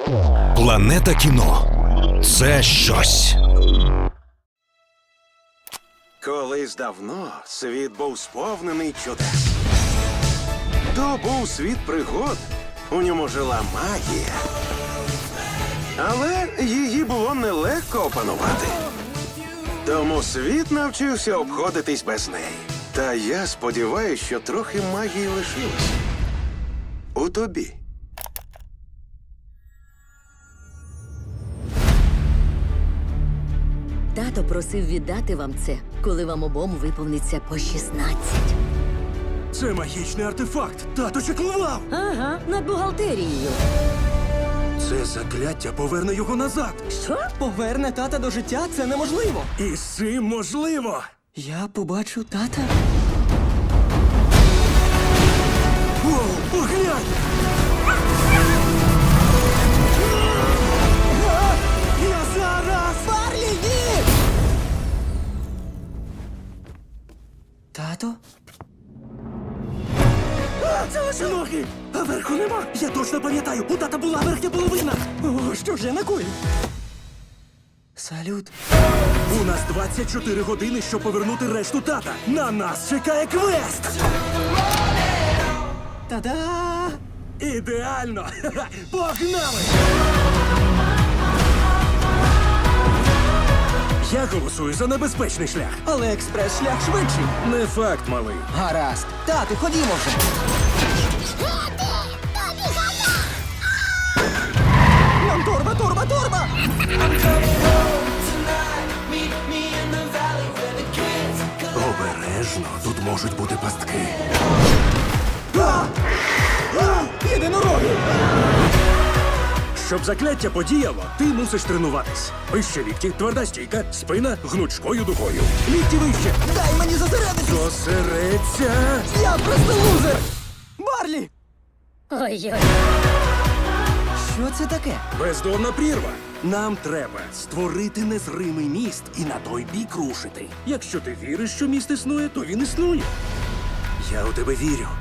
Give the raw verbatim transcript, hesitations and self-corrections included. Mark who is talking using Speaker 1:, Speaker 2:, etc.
Speaker 1: Планета кіно – це щось.
Speaker 2: Колись давно світ був сповнений чудес. То був світ пригод, у ньому жила магія. Але її було нелегко опанувати. Тому світ навчився обходитись без неї. Та я сподіваюся, що трохи магії лишилось. У тобі.
Speaker 3: Тато просив віддати вам це, коли вам обом виповниться по шістнадцять.
Speaker 4: Це магічний артефакт. Тато чеклував.
Speaker 3: Ага, над бухгалтерією.
Speaker 4: Це закляття поверне його назад.
Speaker 3: Що?
Speaker 5: Поверне тата до життя – це неможливо.
Speaker 4: І з цим можливо.
Speaker 5: Я побачу тата.
Speaker 4: Воу, поглянь! Я зараз!
Speaker 5: Барлі, ні! Тато?
Speaker 4: А, це лише ноги! А верху нема! Я точно пам'ятаю, у тата була верхня половина!
Speaker 5: О, що ж я накоїв? Салют.
Speaker 4: У нас двадцять чотири години, щоб повернути решту тата. На нас чекає квест!
Speaker 5: Та-да!
Speaker 4: Ідеально! Ха-ха! Погнали! Я голосую за небезпечний шлях.
Speaker 5: Але експрес-шлях швидший.
Speaker 4: Не факт, малий.
Speaker 5: Гаразд. Тату, ходімо вже. Нам торба, торба, торба!
Speaker 4: Обережно, тут можуть бути пастки.
Speaker 5: Єдинороги!
Speaker 4: Щоб закляття подіяло, ти мусиш тренуватись. Вище лікті, тверда стійка, спина гнучкою дугою. Лікті вище.
Speaker 5: Дай мені зосередитись!
Speaker 4: Зосередься.
Speaker 5: Я просто лузер! Барлі!
Speaker 3: Ой-ой.
Speaker 5: Що це таке?
Speaker 4: Бездонна прірва. Нам треба створити незримий міст і на той бік рушити. Якщо ти віриш, що міст існує, то він існує. Я у тебе вірю.